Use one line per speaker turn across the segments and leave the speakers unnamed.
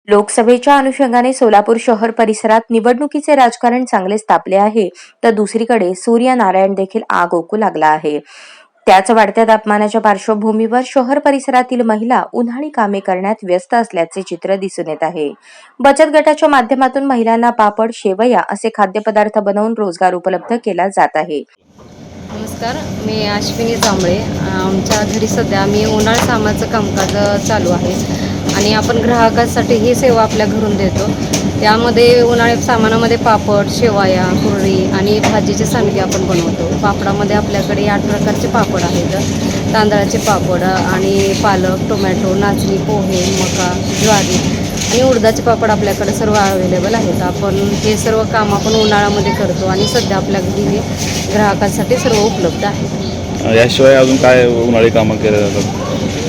लोकसभेच्या अनुषंगाने सोलापूर शहर परिसरात निवडणुकीचे राजकारण चांगलेच तापले आहे, तर दुसरीकडे सूर्यनारायण देखील आग ओकू लागला आहे. त्याच वाढत्या तापमानाच्या पार्श्वभूमीवर शहर परिसरातील महिला उन्हाळी कामे करण्यात व्यस्त असल्याचे चित्र दिसून येत आहे. बचत गटाच्या माध्यमातून महिलांना पापड, शेवया असे खाद्यपदार्थ बनवून रोजगार उपलब्ध केला जात आहे.
नमस्कार, मी अश्विनी जांभळे. आमच्या घरी सध्या मी उन्हाळी सामानाचं कामकाज चालू आहे आणि आपण ग्राहकांसाठी ही सेवा आपल्या घरून देतो. त्यामध्ये उन्हाळी सामानामध्ये पापड, शेवया, कुरडई आणि भाजीचे सांडगे आपण बनवतो. पापडामध्ये आपल्याकडे 8 प्रकारचे पापड आहेत. तांदळाचे पापड आणि पालक, टोमॅटो, नाचणी, पोहे, मका, ज्वारी आणि उडदाचे पापड आपल्याकडे सर्व अवेलेबल आहेत. आपण हे सर्व काम आपण उन्हाळ्यामध्ये करतो आणि सध्या आपल्या घरी हे ग्राहकांसाठी सर्व उपलब्ध आहे.
याशिवाय अजून काय उन्हाळी कामं केले जातात?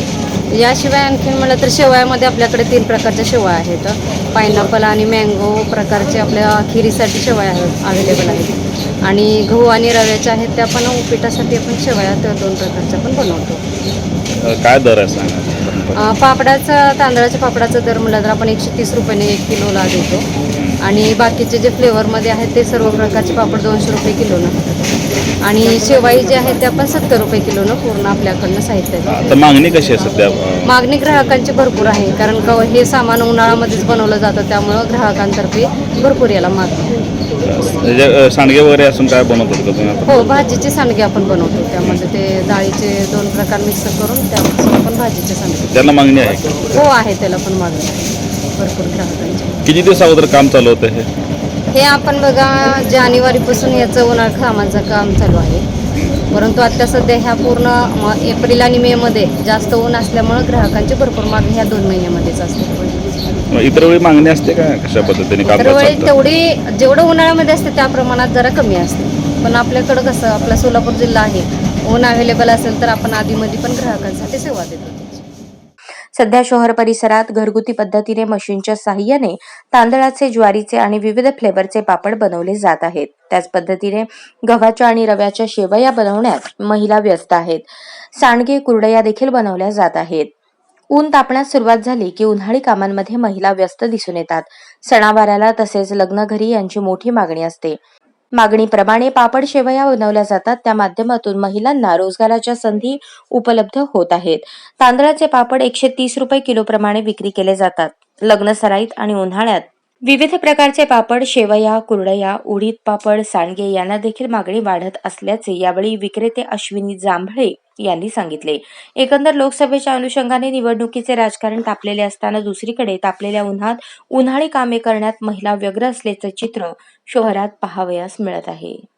याशिवाय आणखीन म्हटलं तर शेवयामध्ये आपल्याकडे 3 प्रकारच्या शेवया आहेत. पायनॅपल आणि मँगो प्रकारचे आपल्या खिरीसाठी शेवया अवेलेबल आहेत आणि गहू आणि रव्याच्या आहेत त्या पण उपीटासाठी आपण शेवया त्या 2 प्रकारच्या पण बनवतो.
काय दर आहे सांगा?
तांदळाच्या पापडाचा दर म्हटलं तर आपण 130 रुपयाने 1 किलोला देतो आणि बाकीचे जे फ्लेवरमध्ये आहेत ते सर्व प्रकारचे पापड 200 रुपये किलोनं आणि शेवाई जे आहेत ते आपण 70 रुपये किलोनं पूर्ण आपल्याकडनं साहित्य
तर मागणी कशी आहे सध्या?
मागणी ग्राहकांची भरपूर आहे, कारण का हे सामान उन्हाळ्यामध्येच बनवलं जातं, त्यामुळं ग्राहकांतर्फे भरपूर याला मागणी.
म्हणजे सांडगे वगैरे असून काय बनवतात का तुम्ही?
हो, भाजीचे सांडगे आपण बनवतो. त्यामध्ये ते डाळीचे 2 प्रकार मिक्स करून त्यापासून आपण भाजीचे सांडगे.
त्याला मागणी आहे?
हो आहे, त्याला पण मागणी आहे भरपूर ग्राहकांची.
किती दिवस अगोदर काम चालू होतं
हे आपण बघा जानेवारीपासून याचं उन्हाळी कामाचं काम चालू आहे, परंतु आता सध्या ह्या पूर्ण एप्रिल आणि मे मध्ये जास्त ऊन असल्यामुळं ग्राहकांची भरपूर मागणी ह्या 2 महिन्यामध्येच असते.
इतर वेळी मागणी असते का? कशा पद्धतीने काम?
इतर वेळी तेवढी जेवढं उन्हाळ्यामध्ये असते त्या प्रमाणात जरा कमी असते, पण आपल्याकडं कसं आपला सोलापूर जिल्हा आहे, ऊन अवेलेबल असेल तर आपण आधीमध्ये पण ग्राहकांसाठी सेवा देतो.
सध्या शहर परिसरात घरगुती पद्धतीने मशीनच्या साहाय्याने तांदळाचे, ज्वारीचे आणि विविध फ्लेवरचे पापड बनवले जात आहेत. त्याच पद्धतीने गव्हाच्या आणि रव्याच्या शेवया बनवण्यात महिला व्यस्त आहेत. सांडगे, कुरडया देखील बनवल्या जात आहेत. ऊन तापण्यास सुरुवात झाली की उन्हाळी कामांमध्ये महिला व्यस्त दिसून येतात. सणावाराला तसेच लग्न घरी यांची मोठी मागणी असते. मागणीप्रमाणे पापड, शेवया बनवल्या जातात. त्या माध्यमातून महिलांना रोजगाराच्या संधी उपलब्ध होत आहेत. तांदळाचे पापड 130 रुपये किलो प्रमाणे विक्री केले जातात. लग्न सराईत आणि उन्हाळ्यात विविध प्रकारचे पापड, शेवया, कुरडया, उडीद पापड, सांडगे यांना देखील मागणी वाढत असल्याचे यावेळी विक्रेते अश्विनी जांभळे यांनी सांगितले. एकंदर लोकसभेच्या अनुषंगाने निवडणुकीचे राजकारण तापलेले असताना दुसरीकडे तापलेल्या उन्हात उन्हाळी कामे करण्यात महिला व्यग्र असल्याचे चित्र शहरात पाहावयास मिळत आहे.